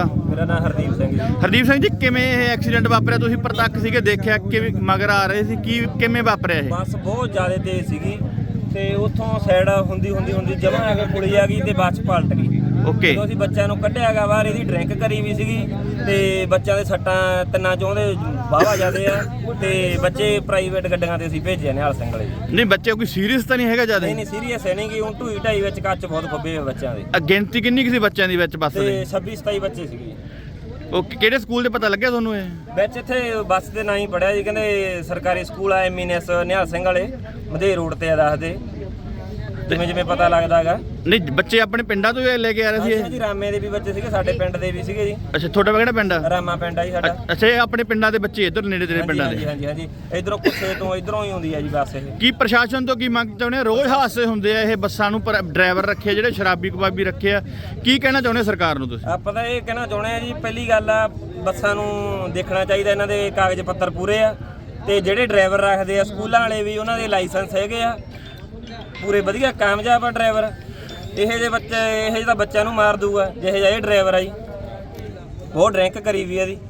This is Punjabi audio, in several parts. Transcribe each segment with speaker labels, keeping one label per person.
Speaker 1: ਤੁਹਾਡਾ?
Speaker 2: ਮੇਰਾ ਨਾਮ ਹਰਦੀਪ ਸਿੰਘ ਜੀ।
Speaker 1: ਹਰਦੀਪ ਸਿੰਘ ਜੀ, ਕਿਵੇਂ ਇਹ ਐਕਸੀਡੈਂਟ ਵਾਪਰਿਆ? ਤੁਸੀਂ ਪ੍ਰਤੱਖ ਸੀਗੇ, ਦੇਖਿਆ ਕਿਵੇਂ ਮਗਰ ਆ ਰਹੇ ਸੀ, ਕੀ ਕਿਵੇਂ ਵਾਪਰਿਆ ਇਹ?
Speaker 2: ਬੱਸ ਬਹੁਤ ਜ਼ਿਆਦਾ ਤੇਜ਼ ਸੀਗੀ ਤੇ ਉੱਥੋਂ ਸਾਈਡ ਹੁੰਦੀ ਜਮਾਂ ਆ ਕੇ ਪੁਲੀ ਆ ਗਈ ਤੇ ਬੱਸ ਪਲਟ ਗਈ।
Speaker 1: ਓਕੇ,
Speaker 2: ਜਦੋਂ ਅਸੀਂ ਬੱਚਿਆਂ ਨੂੰ ਕੱਢਿਆ ਗਾ ਬਾਹਰ, ਇਹਦੀ ਡਰਿੰਕ ਕਰੀ ਵੀ ਸੀਗੀ ਤੇ ਬੱਚਿਆਂ ਦੇ ਸੱਟਾਂ ਤਿੰਨਾਂ ਚੋਂ ਦੇ ਵਾਹਵਾ ਜਾਂਦੇ ਆ ਤੇ ਬੱਚੇ ਪ੍ਰਾਈਵੇਟ ਗੱਡੀਆਂ ਤੇ ਅਸੀਂ ਭੇਜੇ ਨਿਹਾਲ ਸਿੰਘ ਵਾਲੇ।
Speaker 1: ਨਹੀਂ ਬੱਚੇ ਕੋਈ ਸੀਰੀਅਸ ਤਾਂ ਨਹੀਂ ਹੈਗਾ ਜ਼ਿਆਦਾ?
Speaker 2: ਨਹੀਂ ਸੀਰੀਅਸ ਹੈ ਨਹੀਂ ਕਿ ਹੁਣ ਢੂਈ ਢਾਈ ਵਿੱਚ ਕੱਚ ਬਹੁਤ ਖੱਬੇ ਹੋਏ ਬੱਚਿਆਂ ਦੇ।
Speaker 1: ਗਿਣਤੀ ਕਿੰਨੀ ਕੁ ਸੀ ਬੱਚਿਆਂ ਦੀ ਵਿੱਚ ਬੱਸ
Speaker 2: ਤੇ
Speaker 1: ਦੇ?
Speaker 2: 26-27 ਬੱਚੇ ਸੀਗੇ।
Speaker 1: ਓਕੇ, ਕਿਹੜੇ ਸਕੂਲ ਦੇ ਪਤਾ ਲੱਗਿਆ ਤੁਹਾਨੂੰ ਇਹ?
Speaker 2: ਵਿੱਚ ਇੱਥੇ ਬੱਸ ਦੇ ਨਾਂ ਹੀ ਪੜਿਆ ਜੀ, ਕਹਿੰਦੇ ਸਰਕਾਰੀ ਸਕੂਲ ਆ ਐਮਐਨਐਸ ਨਿਹਾਲ ਸਿੰਘ ਵਾਲੇ ਮਧੇ ਰੋਡ ਤੇ ਆ ਦੱਸਦੇ, ਜਿਵੇਂ ਪਤਾ ਲੱਗਦਾ ਹੈਗਾ।
Speaker 1: ਨਹੀਂ ਬੱਚੇ ਆਪਣੇ ਪਿੰਡਾਂ ਤੋਂ ਲੈ ਕੇ ਆ ਰਹੇ ਸੀ ਇਹ?
Speaker 2: ਜੀ ਰਾਮੇ ਦੇ ਵੀ ਬੱਚੇ ਸੀਗੇ, ਸਾਡੇ ਪਿੰਡ ਦੇ ਵੀ ਸੀਗੇ ਜੀ।
Speaker 1: ਅੱਛਾ, ਤੁਹਾਡਾ ਕਿਹੜਾ ਪਿੰਡ ਆ?
Speaker 2: ਰਾਮਾ ਪਿੰਡ ਆ ਜੀ ਸਾਡਾ।
Speaker 1: ਅੱਛਾ, ਇਹ ਆਪਣੇ ਪਿੰਡਾਂ ਦੇ ਬੱਚੇ ਇੱਧਰ ਨੇੜੇ ਤੇਰੇ ਪਿੰਡਾਂ ਦੇ?
Speaker 2: ਹਾਂਜੀ ਇਧਰੋਂ ਕੁੱਸੇ ਤੋਂ ਇਧਰੋਂ ਹੀ ਹੁੰਦੀ ਆ ਜੀ ਬੱਸ ਇਹ।
Speaker 1: ਕੀ ਪ੍ਰਸ਼ਾਸਨ ਤੋਂ ਕੀ ਮੰਗ ਚਾਹੁੰਦੇ ਆ? ਰੋਜ਼ ਹਾਦਸੇ ਹੁੰਦੇ ਆ ਇਹ ਬੱਸਾਂ ਨੂੰ, ਪਰ ਡਰਾਈਵਰ ਰੱਖੇ ਜਿਹੜੇ ਸ਼ਰਾਬੀ ਕਬਾਬੀ ਰੱਖੇ ਆ, ਕੀ ਕਹਿਣਾ ਚਾਹੁੰਦੇ ਸਰਕਾਰ ਨੂੰ ਤੁਸੀਂ?
Speaker 2: ਆਪਾਂ ਤਾਂ ਇਹ ਕਹਿਣਾ ਚਾਹੁੰਦੇ ਆ ਜੀ, ਪਹਿਲੀ ਗੱਲ ਆ ਬੱਸਾਂ ਨੂੰ ਦੇਖਣਾ ਚਾਹੀਦਾ ਇਹਨਾਂ ਦੇ ਕਾਗਜ਼ ਪੱਤਰ ਪੂਰੇ ਆ ਤੇ ਜਿਹੜੇ ਡਰਾਈਵਰ ਰੱਖਦੇ ਆ ਸਕੂਲਾਂ ਵਾਲੇ ਵੀ ਉਹਨਾਂ ਦੇ ਲਾਇਸੈਂਸ ਹੈਗੇ ਆ ਪੂਰੇ ਵਧੀਆ ਕਾਮਯਾਬ ਆ ਡਰਾਈਵਰ। ਇਹੋ ਜਿਹੇ ਤਾਂ ਬੱਚਿਆਂ ਨੂੰ ਮਾਰ ਦੂਗਾ ਜਿਹੇ ਜਿਹਾ ਇਹ ਡਰਾਈਵਰ ਆ ਜੀ, ਬਹੁਤ ਡਰਿੰਕ ਕਰੀ ਵੀ ਇਹਦੀ।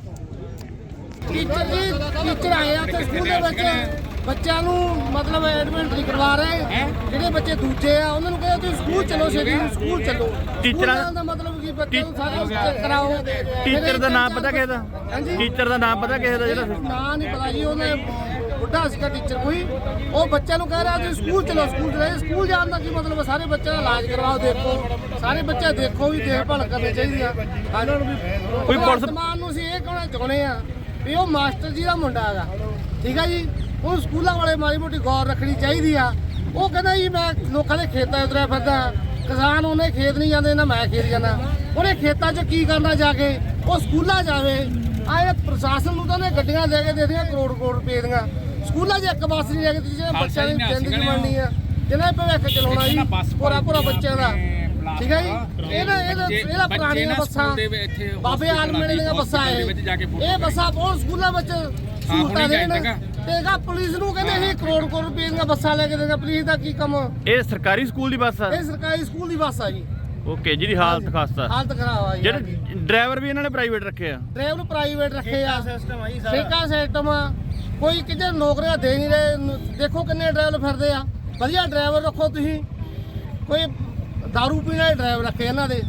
Speaker 3: ਟੀਚਰ ਆਏ ਆ ਤੇ ਸਕੂਲ ਦੇ ਵਿੱਚ ਬੱਚਿਆਂ ਨੂੰ ਮਤਲਬ ਐਡਮਿਟ ਨਹੀਂ ਕਰਵਾ ਰਹੇ। ਜਿਹੜੇ ਬੱਚੇ ਦੂਜੇ ਆ ਉਹਨਾਂ ਨੂੰ ਕਹਿੰਦੇ ਤੁਸੀਂ ਸਕੂਲ ਚਲੋ, ਛੇਤੀ ਸਕੂਲ ਚਲੋ।
Speaker 1: ਟੀਚਰਾਂ
Speaker 3: ਦਾ ਮਤਲਬ ਕੀ ਬੱਚਿਆਂ ਨੂੰ ਸਾਰਾ ਕਰਾਓ।
Speaker 1: ਟੀਚਰ ਦਾ ਨਾਮ ਪਤਾ ਕਿਸੇ ਦਾ? ਟੀਚਰ ਦਾ ਨਾਮ ਪਤਾ ਕਿਸੇ ਦਾ? ਜਿਹੜਾ
Speaker 3: ਨਾਂ ਨਹੀਂ ਪਤਾ ਜੀ, ਉਹਨੇ ਬੁੱਢਾ ਸੀਗਾ ਟੀਚਰ ਕੋਈ, ਉਹ ਬੱਚਿਆਂ ਨੂੰ ਕਹਿ ਰਿਹਾ ਤੁਸੀਂ ਸਕੂਲ ਚਲੋ। ਸਕੂਲ ਜਾਣ ਦਾ ਕੀ ਮਤਲਬ? ਸਾਰੇ ਬੱਚਿਆਂ ਦਾ ਇਲਾਜ ਕਰਵਾਓ, ਦੇਖੋ ਸਾਰੇ ਬੱਚੇ ਦੇਖੋ ਵੀ ਦੇਖਭਾਲ ਕਰਨੀ ਚਾਹੀਦੀ ਆ ਇਹਨਾਂ ਨੂੰ ਵੀ।
Speaker 1: ਕੋਈ ਪੁਲਿਸ
Speaker 3: ਮਾਨ ਨੂੰ ਅਸੀਂ ਇਹ ਕਹਿਣਾ ਚਾਹੁੰਦੇ ਆ ਵੀ ਉਹ ਮਾਸਟਰ ਜੀ ਦਾ ਮੁੰਡਾ ਹੈਗਾ, ਠੀਕ ਆ ਜੀ, ਉਹ ਸਕੂਲਾਂ ਵਾਲੇ ਮਾੜੀ ਮੋਟੀ ਗੌਰ ਰੱਖਣੀ ਚਾਹੀਦੀ ਆ। ਉਹ ਕਹਿੰਦਾ ਜੀ ਮੈਂ ਲੋਕਾਂ ਦੇ ਖੇਤਾਂ 'ਚ ਤੁਰਿਆ ਫਿਰਦਾ, ਕਿਸਾਨ ਉਹਨੇ ਖੇਤ ਨਹੀਂ ਜਾਂਦੇ ਨਾ ਮੈਂ ਖੇਤ ਜਾਂਦਾ। ਉਹਨੇ ਖੇਤਾਂ 'ਚ ਕੀ ਕਰਨਾ ਜਾ ਕੇ? ਉਹ ਸਕੂਲਾਂ ਜਾਵੇ। ਆਏ ਪ੍ਰਸ਼ਾਸਨ ਨੂੰ ਤਾਂ ਉਹਨੇ ਗੱਡੀਆਂ ਲੈ ਕੇ ਦੇ ਦੀਆਂ ਕਰੋੜ ਰੁਪਏ ਦੀਆਂ, ਸਕੂਲਾਂ 'ਚ ਇੱਕ ਬੱਸ ਨਹੀਂ ਲੈ ਕੇ ਦਿੱਤੀ ਜਿਹੜੇ ਬੱਚਿਆਂ ਦੀ ਜ਼ਿੰਦਗੀ ਬਣਨੀ ਆ, ਜਿਹਨਾਂ ਨੇ ਭਵਿੱਖ ਚਲਾਉਣਾ ਜੀ ਪੂਰਾ ਬੱਚਿਆਂ ਦਾ, ਠੀਕ ਹੈ ਜੀ। ਇਹਦਾ ਪੁਰਾਣੀਆਂ ਬੱਸਾਂ ਬਾਬੇ ਆਲਮਣੇ ਦੀਆਂ ਬੱਸਾਂ ਇਹ ਬੱਸਾਂ ਬਹੁਤ ਸਕੂਲਾਂ ਵਿੱਚ ਸਹੂਲਤਾਂ ਦੇਣ ਤੇ ਪੁਲਿਸ ਨੂੰ ਕਹਿੰਦੇ ਇਹ ਕਰੋੜ ਰੁਪਏ ਦੀਆਂ ਬੱਸਾਂ ਲੈ ਕੇ ਦੇਗਾ। ਪੁਲਿਸ ਦਾ ਕੀ ਕੰਮ?
Speaker 1: ਇਹ ਸਰਕਾਰੀ ਸਕੂਲ ਦੀ ਬੱਸ ਆ?
Speaker 3: ਇਹ ਸਰਕਾਰੀ ਸਕੂਲ ਦੀ ਬੱਸ ਆ ਜੀ।
Speaker 1: ਓਕੇ, ਜਿਹਦੀ ਹਾਲਤ ਖਾਸਤਾ,
Speaker 3: ਹਾਲਤ ਖਰਾਬ ਆ ਜੀ।
Speaker 1: ਜਿਹੜੇ ਡਰਾਈਵਰ ਵੀ ਇਹਨਾਂ ਨੇ ਪ੍ਰਾਈਵੇਟ ਰੱਖੇ ਆ?
Speaker 3: ਡਰਾਈਵਰ ਨੂੰ ਪ੍ਰਾਈਵੇਟ ਰੱਖੇ ਆ, ਠੇਕਾ ਸਿਸਟਮ ਆ, ਕੋਈ ਕਿਤੇ ਨੌਕਰੀਆਂ ਦੇ ਨਹੀਂ ਰਹੇ। ਦੇਖੋ ਕਿੰਨੇ ਡਰਾਈਵਰ ਫਿਰਦੇ ਆ, ਵਧੀਆ ਡਰਾਈਵਰ ਰੱਖੋ ਤੁਸੀਂ। ਕੋਈ ਦਾਰੂ ਪੀਣ ਵਾਲੇ ਡਰਾਈਵਰ ਰੱਖੇ ਇਹਨਾਂ ਦੇ।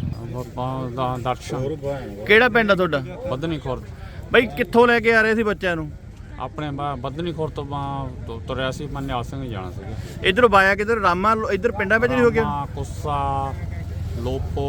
Speaker 4: ਦਰਸ਼ਨ।
Speaker 1: ਕਿਹੜਾ ਪਿੰਡ ਆ ਤੁਹਾਡਾ?
Speaker 4: ਬੱਧਨੀ ਖੁਰਦ।
Speaker 1: ਬਾਈ ਕਿੱਥੋਂ ਲੈ ਕੇ ਆ ਰਹੇ ਸੀ ਬੱਚਿਆਂ ਨੂੰ?
Speaker 4: ਆਪਣੇ ਬੱਧਨੀ ਖੁਰਦ ਤੋਂ ਤੁਰਿਆ ਸੀ, ਮੈਂ ਨਿਹਾਲ ਸਿੰਘ ਜਾਣਾ ਸੀਗਾ।
Speaker 1: ਇਧਰੋਂ ਬਾਇਆ ਕਿਧਰ? ਰਾਮਾ ਇੱਧਰ ਪਿੰਡਾਂ ਵਿੱਚ ਨਹੀਂ ਹੋ ਗਿਆ?
Speaker 4: ਕੁੱਸਾ ਲੋਪੋ।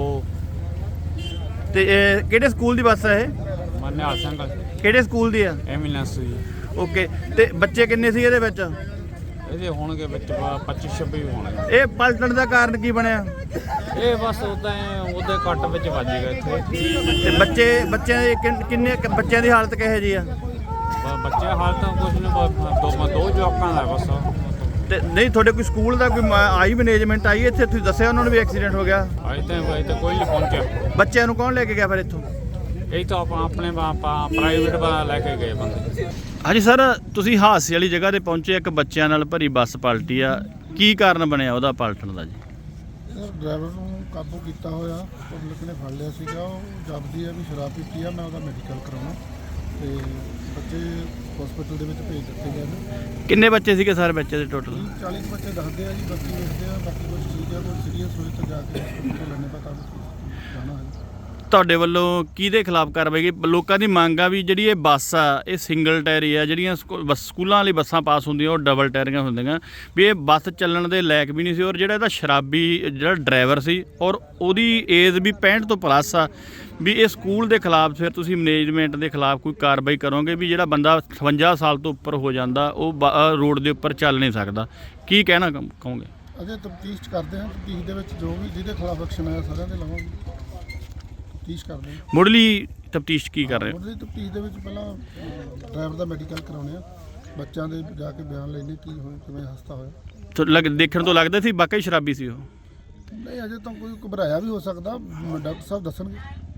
Speaker 1: ਤੇ ਇਹ ਕਿਹੜੇ ਸਕੂਲ ਦੀ ਬੱਸ ਆ ਇਹ?
Speaker 4: ਮੈਂ ਨਿਹਾਲ ਸਿੰਘ
Speaker 1: ਕਿਹੜੇ ਸਕੂਲ ਦੀ ਆ?
Speaker 4: ਐਮੀਨੈਂਸ ਜੀ।
Speaker 1: ਓਕੇ, ਤੇ ਬੱਚੇ ਕਿੰਨੇ ਸੀ ਇਹਦੇ ਵਿੱਚ?
Speaker 4: ਇਹਦੇ ਹੋਣਗੇ ਵਿੱਚ 25-26 ਹੋਣਗੇ।
Speaker 1: ਇਹ ਪਲਟਣ ਦਾ ਕਾਰਨ ਕੀ ਬਣਿਆ?
Speaker 4: ਇਹ ਬਸ ਉਹਦੇ ਕੱਟ ਵਿੱਚ ਵੱਜ ਗਿਆ ਇੱਥੇ।
Speaker 1: ਤੇ ਬੱਚਿਆਂ ਦੇ ਕਿੰਨੇ ਬੱਚਿਆਂ ਦੀ ਹਾਲਤ ਕਿਹੋ ਜੀ ਆ?
Speaker 4: ਬੱਚੇ ਹਾਲਤ ਕੁਛ ਨਹੀਂ, ਦੋ ਜਵਾਕਾਂ ਦਾ ਬਸ।
Speaker 1: ਤੇ ਨਹੀਂ ਤੁਹਾਡੇ ਕੋਈ ਸਕੂਲ ਦਾ ਕੋਈ ਆਈ ਮੈਨੇਜਮੈਂਟ ਆਈ ਇੱਥੇ? ਤੁਸੀਂ ਦੱਸਿਆ ਉਹਨਾਂ ਨੂੰ ਵੀ ਐਕਸੀਡੈਂਟ ਹੋ ਗਿਆ?
Speaker 4: ਅਜੇ ਤਾਂ ਕੋਈ ਨਹੀਂ ਪਹੁੰਚਿਆ।
Speaker 1: ਬੱਚਿਆਂ ਨੂੰ ਕੌਣ ਲੈ ਕੇ ਗਿਆ ਫਿਰ ਇੱਥੋਂ?
Speaker 4: ਇਹ ਤਾਂ ਆਪਣੇ ਪ੍ਰਾਈਵੇਟ ਲੈ ਕੇ ਗਏ ਬੰਦੇ।
Speaker 1: ਹਾਂਜੀ ਸਰ, ਤੁਸੀਂ ਹਾਦਸੇ ਵਾਲੀ ਜਗ੍ਹਾ ਤੇ ਪਹੁੰਚੇ, ਇੱਕ ਬੱਚਿਆਂ ਨਾਲ ਭਰੀ ਬੱਸ ਪਲਟੀ ਆ, ਕੀ ਕਾਰਨ ਬਣਿਆ ਉਹਦਾ ਪਲਟਣ ਦਾ ਜੀ?
Speaker 5: ਡਰਾਈਵਰ ਨੂੰ ਕਾਬੂ ਕੀਤਾ ਹੋਇਆ, ਪਬਲਿਕ ਨੇ ਫੜ ਲਿਆ ਸੀਗਾ। ਉਹ ਜਪਦੀ ਹੈ ਵੀ ਸ਼ਰਾਬ ਪੀਤੀ ਆ, ਮੈਂ ਉਹਦਾ ਮੈਡੀਕਲ ਕਰਾਉਣਾ ਤੇ ਬੱਚੇ ਹਸਪੀਟਲ ਦੇ ਵਿੱਚ ਭੇਜ ਦਿੱਤੇ ਗਏ ਨੇ।
Speaker 1: ਕਿੰਨੇ ਬੱਚੇ ਸੀਗੇ ਸਰ ਬੱਚੇ ਦੇ ਟੋਟਲ?
Speaker 5: 40 ਬੱਚੇ ਦੱਸਦੇ ਆ ਜੀ, ਬਾਕੀ ਵੇਖਦੇ ਆ, ਬਾਕੀ ਕੁਝ ਠੀਕ ਆ, ਕੋਈ ਸੀਰੀਅਸ ਹੋਏ ਤਾਂ ਜਾ ਕੇ ਹਸਪੀਟਲ ਲੈਣੇ ਪਤਾ ਜਾਣਾ ਹੈ।
Speaker 1: ਤੁਹਾਡੇ ਵੱਲੋਂ ਕਿਹਦੇ ਖਿਲਾਫ ਕਾਰਵਾਈ ਕੀ? ਲੋਕਾਂ ਦੀ ਮੰਗ ਆ ਵੀ ਜਿਹੜੀ ਇਹ ਬੱਸ ਆ ਇਹ ਸਿੰਗਲ ਟਾਇਰੀ ਆ, ਜਿਹੜੀਆਂ ਸਕੂਲਾਂ ਵਾਲੀ ਬੱਸਾਂ ਪਾਸ ਹੁੰਦੀਆਂ ਉਹ ਡਬਲ ਟਾਇਰੀਆਂ ਹੁੰਦੀਆਂ, ਵੀ ਇਹ ਬੱਸ ਚੱਲਣ ਦੇ ਲਾਇਕ ਵੀ ਨਹੀਂ ਸੀ। ਔਰ ਜਿਹੜਾ ਇਹਦਾ ਸ਼ਰਾਬੀ ਜਿਹੜਾ ਡਰਾਈਵਰ ਸੀ ਔਰ ਉਹਦੀ ਏਜ ਵੀ 65 ਤੋਂ ਪਲੱਸ ਆ, ਵੀ ਇਹ ਸਕੂਲ ਦੇ ਖਿਲਾਫ ਫਿਰ ਤੁਸੀਂ ਮੈਨੇਜਮੈਂਟ ਦੇ ਖਿਲਾਫ ਕੋਈ ਕਾਰਵਾਈ ਕਰੋਗੇ? ਵੀ ਜਿਹੜਾ ਬੰਦਾ 58 ਸਾਲ ਤੋਂ ਉੱਪਰ ਹੋ ਜਾਂਦਾ ਉਹ ਰੋਡ ਦੇ ਉੱਪਰ ਚੱਲ ਨਹੀਂ ਸਕਦਾ, ਕੀ ਕਹਿਣਾ ਕਹੋਗੇ?
Speaker 5: ਅਜੇ ਤਫਤੀਸ਼ ਕਰਦੇ ਹਾਂ, ਤਫਤੀਸ਼ ਦੇ ਵਿੱਚ ਜੋ ਵੀ ਜਿਹਦੇ ਖਿਲਾਫ ਐਕਸ਼ਨ ਆਇਆ ਸਾਰਿਆਂ ਦੇ ਲਵਾਂਗੇ, ਤਫਤੀਸ਼ ਕਰਦੇ ਹਾਂ।
Speaker 1: ਮੁੱਢਲੀ ਤਫਤੀਸ਼ ਕੀ ਕਰ ਰਹੇ ਹੋ?
Speaker 5: ਮੁੱਢਲੀ ਤਫਤੀਸ਼ ਦੇ ਵਿੱਚ ਪਹਿਲਾਂ ਡਰਾਈਵਰ ਦਾ ਮੈਡੀਕਲ ਕਰਾਉਣੇ ਆ, ਬੱਚਿਆਂ ਦੇ ਜਾ ਕੇ ਬਿਆਨ ਲੈਣੇ ਕੀ ਹੋਇਆ, ਕਿਵੇਂ ਹਸਤਾ ਹੋਇਆ।
Speaker 1: ਦੇਖਣ ਤੋਂ ਲੱਗਦਾ ਸੀ ਵਾਕਈ ਸ਼ਰਾਬੀ ਸੀ ਉਹ?
Speaker 5: ਨਹੀਂ, ਅਜੇ ਤਾਂ ਕੋਈ ਘਬਰਾਇਆ ਵੀ ਹੋ ਸਕਦਾ, ਡਾਕਟਰ ਸਾਹਿਬ ਦੱਸਣਗੇ।